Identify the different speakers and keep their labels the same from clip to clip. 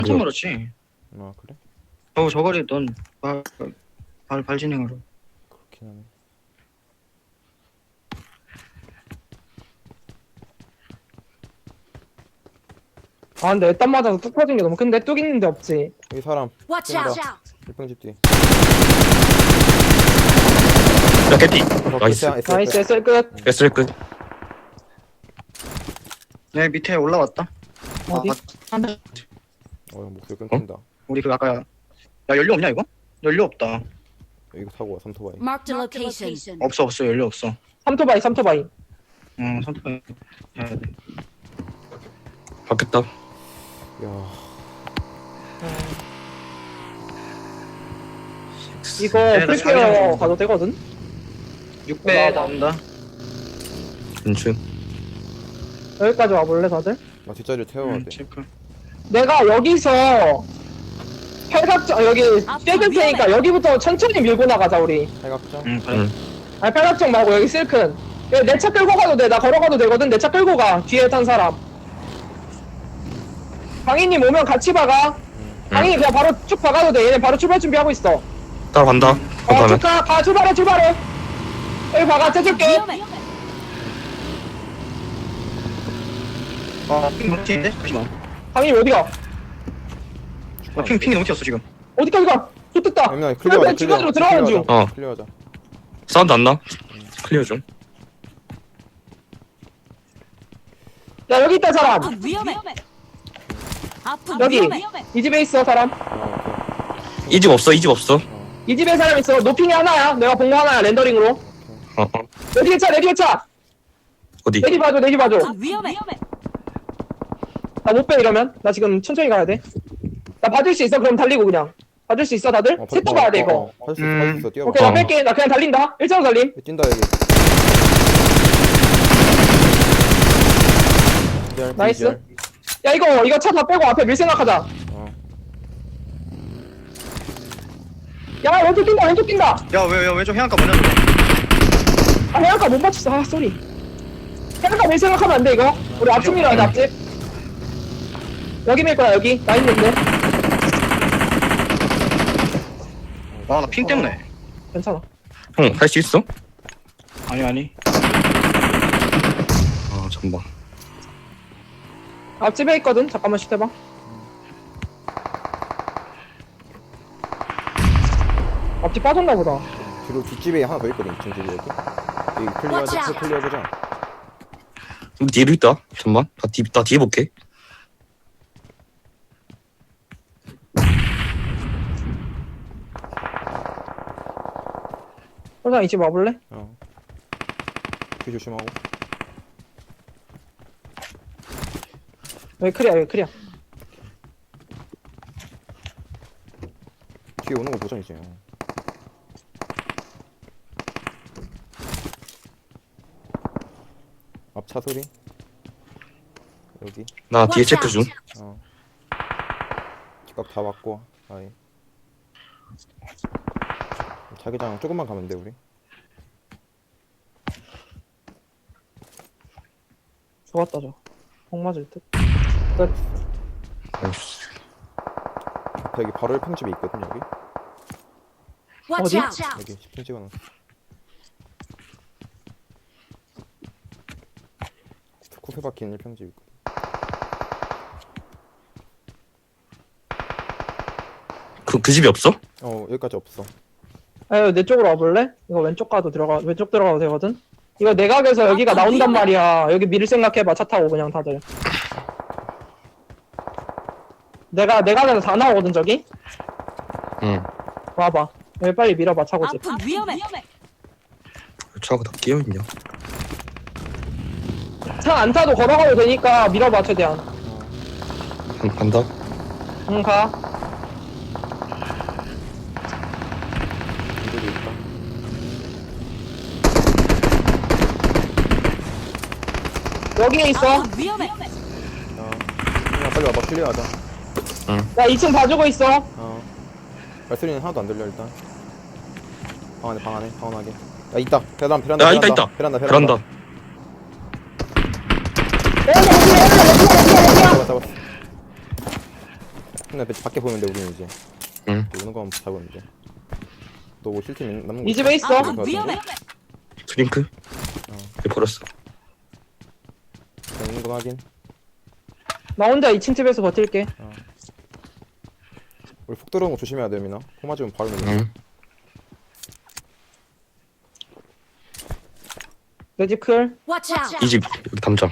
Speaker 1: 엄청 멀었지.
Speaker 2: 아 그래?
Speaker 1: 저거리 넌 발진행으로.
Speaker 2: 그렇긴 하네.
Speaker 3: 아 근데 애딴 맞아서 뚝 터진 게 너무 큰데? 뚝 있는데 없지.
Speaker 2: 여기 사람
Speaker 4: Watch
Speaker 2: 뛴다.
Speaker 4: out!
Speaker 2: 일평집 뒤.
Speaker 5: 야 개피 나이스
Speaker 3: 나이스 SL 끝.
Speaker 5: SL 끝
Speaker 1: 내 밑에 올라왔다.
Speaker 3: 어디?
Speaker 2: 목소리 끊긴다.
Speaker 1: 우리 그 아까 야 연료 없냐 이거? 연료 없다.
Speaker 2: 이거 타고 와 삼토바이.
Speaker 4: Marked a location.
Speaker 1: 없어 연료 없어.
Speaker 3: 삼토바이.
Speaker 1: 선택해. 해야 돼.
Speaker 5: 바뀌었다
Speaker 2: 야
Speaker 3: 이거
Speaker 1: 나
Speaker 3: 프리케어
Speaker 1: 자기장
Speaker 3: 가도 되거든?
Speaker 1: 6배 나온다.
Speaker 5: 인춘
Speaker 3: 여기까지 와볼래 다들?
Speaker 2: 나 뒷자리를 태워야 돼.
Speaker 1: 체크.
Speaker 3: 내가 여기서 팔각정 여기 떼줄 테니까 여기부터 천천히 밀고 나가자 우리.
Speaker 2: 팔각정.
Speaker 1: 그래.
Speaker 3: 아니 팔각정 말고 여기 실큰. 내 차 끌고 가도 돼. 나 걸어가도 되거든. 내 차 끌고 가. 뒤에 탄 사람. 강희님 오면 같이 박아. 강희님 그냥 바로 쭉 박아도 돼. 얘네 바로 출발 준비하고 있어.
Speaker 5: 따라간다
Speaker 3: 쭉 가. 출발해. 여기 박아. 떼줄게.
Speaker 4: 위험해.
Speaker 1: 핑 너무 튀는데? 잠시만.
Speaker 3: 강희님 어디가?
Speaker 1: 핑이 너무 튀었어 지금.
Speaker 3: 어디까지 가? 좋겠다.
Speaker 2: 애민아 클리어하자.
Speaker 3: 주변으로 들어가는 중.
Speaker 5: 어.
Speaker 2: 클리어하자.
Speaker 5: 사운드 안 나? 클리어 좀
Speaker 3: 야 여기 있다 사람.
Speaker 4: 아프 위험해. 아프
Speaker 3: 여기
Speaker 4: 위험해.
Speaker 3: 이 집에 있어 사람.
Speaker 5: 이 집 없어 이 집 없어
Speaker 3: 이 집에 사람 있어. 노핑이 하나야. 내가 본 거 하나야. 렌더링으로. 내 뒤에 차.
Speaker 5: 어디
Speaker 3: 내뒤 봐줘.
Speaker 4: 아프 위험해.
Speaker 3: 나 못 빼 이러면. 나 지금 천천히 가야 돼. 나 봐줄 수 있어? 그럼 달리고 그냥. 봐줄 수 있어 다들? 셋 다 봐야 돼 이거.
Speaker 2: 받을 수 있어. 뛰어봐.
Speaker 3: 오케이 나 뺄게. 나 그냥 달린다. 일자로 달림.
Speaker 2: 뛴다 여기. 기절,
Speaker 3: 나이스.
Speaker 2: 기절.
Speaker 3: 야 이거 차 다 빼고 앞에 밀 생각하자. 야 왼쪽 뛴다.
Speaker 1: 야왜 왼쪽 해안가 뭐냐 저거.
Speaker 3: 아 해안가 못 맞췄어. 아 쏘리. 해안가 밀 생각하면 안 돼 이거. 우리 앞집 밀어야 돼 앞집. 여기 밀 거야 여기. 나 있는데.
Speaker 1: 나 핑 때문에.
Speaker 3: 괜찮아.
Speaker 5: 형 할 수 있어?
Speaker 1: 아니.
Speaker 5: 아 잠깐만
Speaker 3: 앞집에 있거든. 잠깐만 슛해봐. 앞집 빠졌나 보다.
Speaker 2: 뒤로 뒷집에 하나 더 있거든. 2층 집에 여기. 여기 클리어하자. 클리어해보자.
Speaker 5: 여기 뒤에도 있다 잠깐만 나 뒤에 볼게
Speaker 3: 설상 이집 와볼래?
Speaker 2: 뒤 조심하고.
Speaker 3: 여기 크리야.
Speaker 2: 뒤에 오는 거 보자 이제. 앞 차 소리. 여기.
Speaker 5: 나 뒤에 체크 중
Speaker 2: 집값 다 받고. 아예. 자기장 조금만 가면 돼 우리.
Speaker 3: 좋았다 저. 공 맞을 듯.
Speaker 5: 나이스.
Speaker 2: 여기 바로 1평집에 있거든 여기.
Speaker 4: Watch
Speaker 3: 어디?
Speaker 4: out!
Speaker 2: 여기 10층 찍어놨어. 쿠페 박힌 1평집 있거든.
Speaker 5: 그 집이 없어?
Speaker 2: 여기까지 없어.
Speaker 3: 아유 내 쪽으로 와볼래? 이거 왼쪽 들어가도 되거든? 이거 내각에서 여기가 나온단 말이야. 여기 밀 생각해봐. 차 타고 그냥 다들. 내각에서 다 나오거든 저기?
Speaker 5: 응
Speaker 3: 와봐. 여기 빨리 밀어봐 차고집.
Speaker 4: 아프 위험해.
Speaker 5: 차가 다 끼어있냐
Speaker 3: 차 안 타도 걸어가도 되니까 밀어봐 최대한.
Speaker 5: 간다
Speaker 3: 응 가.
Speaker 2: 이들이 있다.
Speaker 3: 여기에 있어.
Speaker 4: 아프 위험해.
Speaker 2: 그냥 빨리 와봐. 클리어하자.
Speaker 3: 나 2층 봐주고 있어.
Speaker 2: 발소리는 하나도 안 들려 일단. 방 안에 방안하게. 야 있다. 베란다.
Speaker 5: 야 있다
Speaker 2: 베란다.
Speaker 5: 베란다
Speaker 3: 여기야.
Speaker 2: 잡았어. 근데 밖에 보면 돼 우리는 이제.
Speaker 5: 응.
Speaker 2: 오는 거 한번 잡으면 돼. 너뭐 실팀 남는 거?
Speaker 3: 이 집에 있어.
Speaker 4: 아군 위험해.
Speaker 5: 드링크? 얘 버렸어.
Speaker 2: 있는 거 확인.
Speaker 3: 나 혼자 2층 집에서 버틸게.
Speaker 2: 우리 폭 들어오는 거 조심해야 돼 민아. 폭 맞으면 바로 밀려.
Speaker 5: 응.
Speaker 3: 내 집 클.
Speaker 4: Watch out.
Speaker 5: 이 집 여기 담장.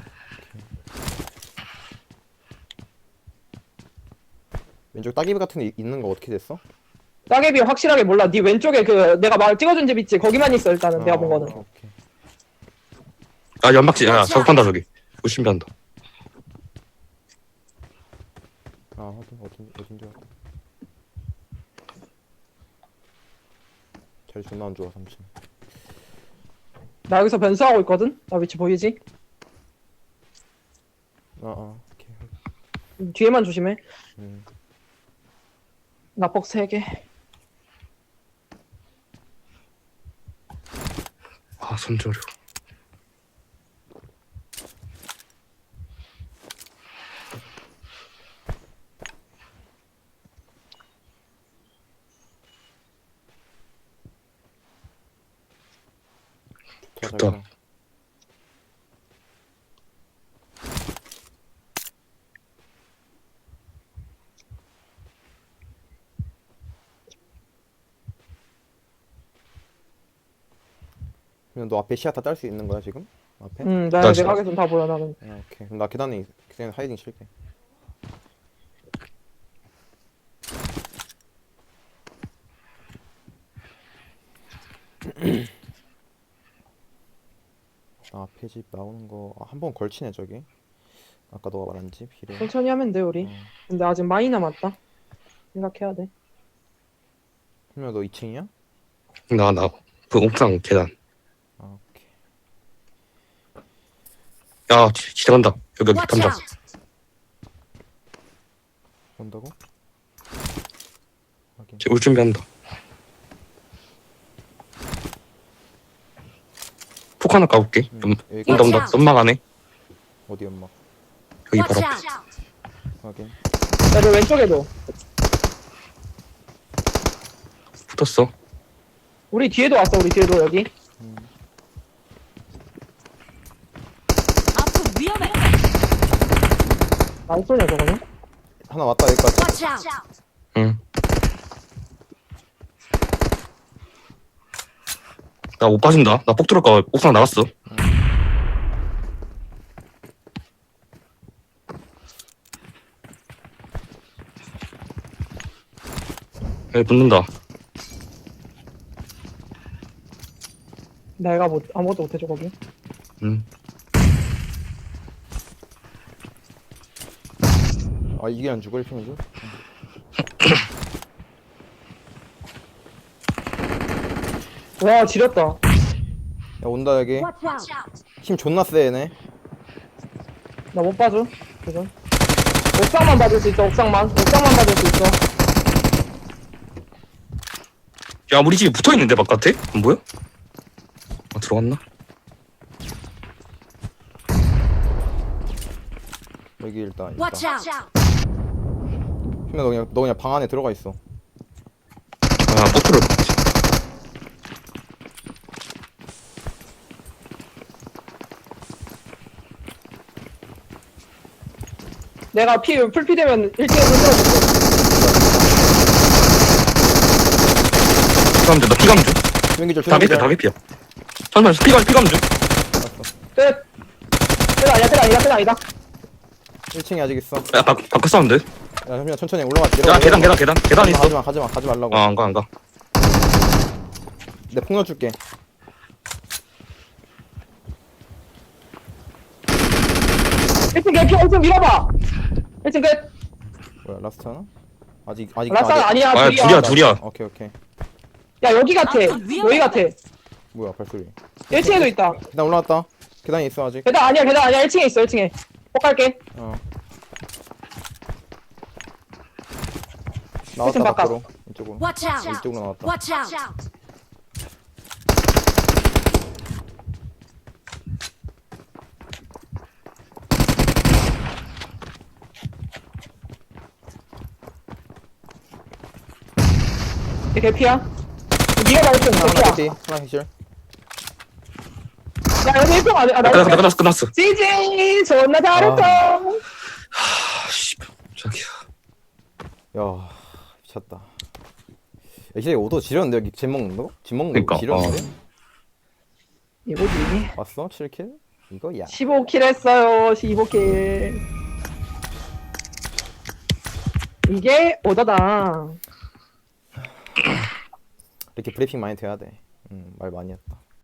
Speaker 2: 왼쪽 따개비 같은 데 있는 거 어떻게 됐어?
Speaker 3: 따개비 확실하게 몰라. 네 왼쪽에 그 내가 말 찍어준 집 있지. 거기만 있어 일단은 내가 본 거는.
Speaker 2: 오케이.
Speaker 5: 아 연막지. 야 작업한다 저기. 우신비한다.
Speaker 2: 아 확인 어딘지 확인. 자리 존나 안 좋아 3층.
Speaker 3: 나 여기서 변수하고 있거든. 나 위치 보이지?
Speaker 2: 오케이.
Speaker 3: 뒤에만 조심해.
Speaker 2: 음.
Speaker 3: 나폭 3개.
Speaker 5: 아 손저려. 좋다.
Speaker 2: 자기장. 그냥 너 앞에 시야 다 딸 수 있는 거야 지금? 앞에?
Speaker 3: 나
Speaker 5: 나
Speaker 3: 내가 하겠으면 다 보여 나는.
Speaker 2: 오케이. 그럼 나 계단에 그냥 하이딩 칠게. 아, 앞에 집 나오는 거 한 번 걸치네 저기. 아까 너가 말한 집 비례.
Speaker 3: 천천히 하면 돼 우리. 근데 아직 많이 남았다. 생각해야 돼.
Speaker 2: 그러면 너 2층이야?
Speaker 5: 나 그 옥상 계단.
Speaker 2: 아, 오케이.
Speaker 5: 야 지나간다. 여기
Speaker 4: Watch
Speaker 5: 담장.
Speaker 4: out.
Speaker 2: 온다고? 확인.
Speaker 5: 올 준비한다. 폭 하나 까볼게.
Speaker 2: 여기
Speaker 5: 온다 온다. 연막 안에.
Speaker 2: 어디 엄마?
Speaker 5: 여기
Speaker 4: Watch
Speaker 5: 바로.
Speaker 4: out.
Speaker 2: 확인.
Speaker 3: 야, 너 왼쪽에도.
Speaker 5: 붙었어.
Speaker 3: 우리 뒤에도 왔어. 우리 뒤에도 여기.
Speaker 4: 아군 위험해.
Speaker 3: 안 쏘냐 저거는?
Speaker 2: 하나 왔다 여기까지.
Speaker 4: Watch out.
Speaker 5: 응. 나 못 빠진다. 나 폭 들어올까 옥상 나갔어. 여기 붙는다.
Speaker 3: 내가 뭐 아무것도 못해줘 거기.
Speaker 5: 응.
Speaker 2: 아 이게 안 죽을 편이죠?
Speaker 3: 와 지렸다.
Speaker 2: 야 온다 여기.
Speaker 4: Watch out.
Speaker 2: 힘 존나 세 얘네.
Speaker 3: 나 못 봐줘. 지금. 옥상만 받을 수 있어. 옥상만 받을 수 있어.
Speaker 5: 야 우리 집이 붙어있는데 바깥에? 안 보여? 아 들어갔나?
Speaker 2: 여기 일단 있다.
Speaker 4: Watch out.
Speaker 2: 그러면 너 그냥 방 안에 들어가 있어.
Speaker 5: 아폭 들어올 것 같아.
Speaker 3: 내가 풀피 되면 1대1 흔들어줄게.
Speaker 5: 피감 줘. 나 피감 줘.
Speaker 2: 조용기절
Speaker 5: 다 개피야. 다 개피야. 잠깐만 피감 줘.
Speaker 3: 끝. 끝 아니다.
Speaker 2: 1층에 아직 있어.
Speaker 5: 야 바깥 사운드.
Speaker 2: 야 잠시만 천천히 올라갈게.
Speaker 5: 야 계단 있어.
Speaker 2: 가지 말라고.
Speaker 5: 아 안 가.
Speaker 2: 내 폭 넣어줄게.
Speaker 3: 일층 개피 1층 밀어봐. 1층 끝.
Speaker 2: 뭐야 라스트 하나? 아직
Speaker 3: 라스트 아니야.
Speaker 5: 아 둘이야.
Speaker 2: 오케이.
Speaker 3: 야 여기 같아. 여기 같아.
Speaker 2: 뭐야 발소리.
Speaker 3: 1층에도 있다.
Speaker 2: 계단 올라왔다. 계단에 있어 아직.
Speaker 3: 계단 아니야. 1층에 있어. 1층에. 폭 갈게.
Speaker 2: 나왔다
Speaker 3: 바깥.
Speaker 2: 밖으로. 이쪽으로.
Speaker 4: Watch out.
Speaker 2: 이쪽으로 나왔다.
Speaker 4: Watch out.
Speaker 3: 얘 개피야. 니가 말했던
Speaker 2: 하나
Speaker 3: 개피야.
Speaker 2: 캐피 하나 캐실.
Speaker 3: 야, 여기 1등 안 해. 아, 나이스.
Speaker 5: 끝났어.
Speaker 3: 지지! 존나 잘했어.
Speaker 5: 아, 씨. 저기야.
Speaker 2: 야 미쳤다. 야 이제 오도 지렸는데 여기 집 먹는 거? 집 먹는
Speaker 5: 그니까,
Speaker 2: 거 지렸는데?
Speaker 3: 이거지.
Speaker 2: 왔어? 7킬? 이거야.
Speaker 3: 15킬 했어요. 15킬. 이게 오더다.
Speaker 2: 이렇게 브리핑 많이 돼야 돼. 말 많이 했다.